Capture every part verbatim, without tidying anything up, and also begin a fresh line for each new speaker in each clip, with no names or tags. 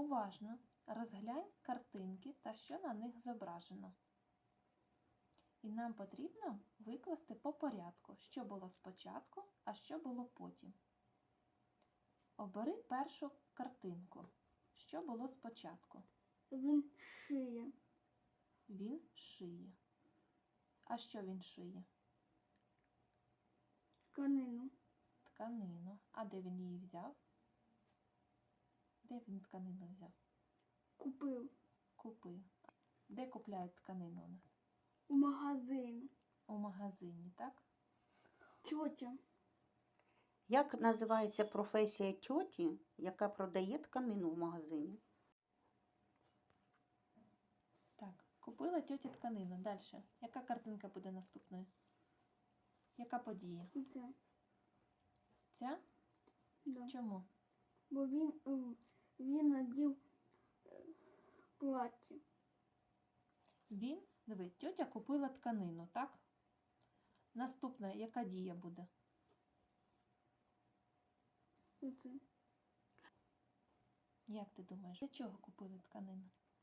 Уважно розглянь картинки та що на них зображено. І нам потрібно викласти по порядку, що було спочатку, а що було потім. Обери першу картинку. Що було спочатку?
Він шиє.
Він шиє. А що він шиє?
Тканину.
Тканину. А де він її взяв? Де він тканину взяв?
Купив.
Купив. Де купляють тканину у нас?
У магазин.
У магазині, так?
Тьотя.
Як називається професія тьоті, яка продає тканину в магазині?
Так, купила тьотя тканину. Далі. Яка картинка буде наступною? Яка подія?
Це.
Ця?
Да.
Чому?
Бо він, е, він надів е, плаття.
Він, диви, тьотя купила тканину, так? Наступна, яка дія буде?
Оце.
Як ти думаєш, для чого купили тканину?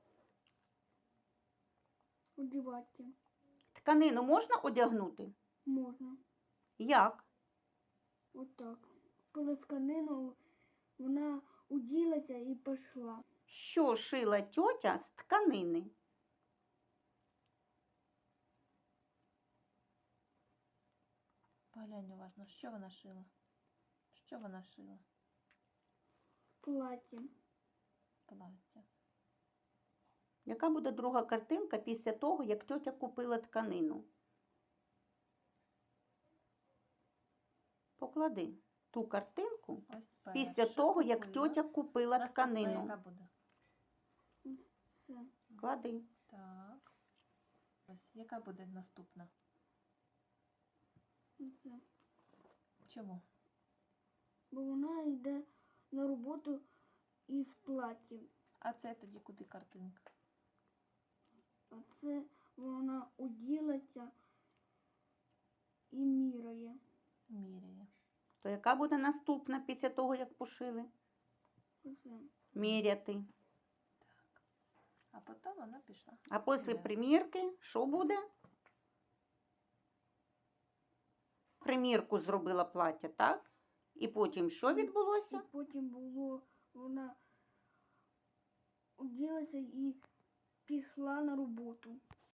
Одівати.
Тканину можна одягнути?
Можна.
Як?
Отак. Коли тканину вона уділася і пішла.
Що шила тьотя з тканини?
Поглянь уважно, що вона шила? Що вона шила?
Плаття.
Плаття.
Яка буде друга картинка після того, як тьотя купила тканину? Поклади ту картинку
Ось
після
перша
того, як
купила.
тьотя купила
Наступна
тканину.
яка буде?
Все.
Клади.
Так. Ось, яка буде наступна?
Все.
Чому?
Бо вона йде на роботу із платтям.
А це тоді куди картинка?
А це вона уділася і міряє.
Міряє.
То яка буде наступна після того, як пошили?
Все.
Міряти.
А потім вона пішла.
А після
Міряти.
примірки що буде? Примірку зробила плаття, так? І потім що
І
відбулося?
потім було, вона уділася і пішла на роботу.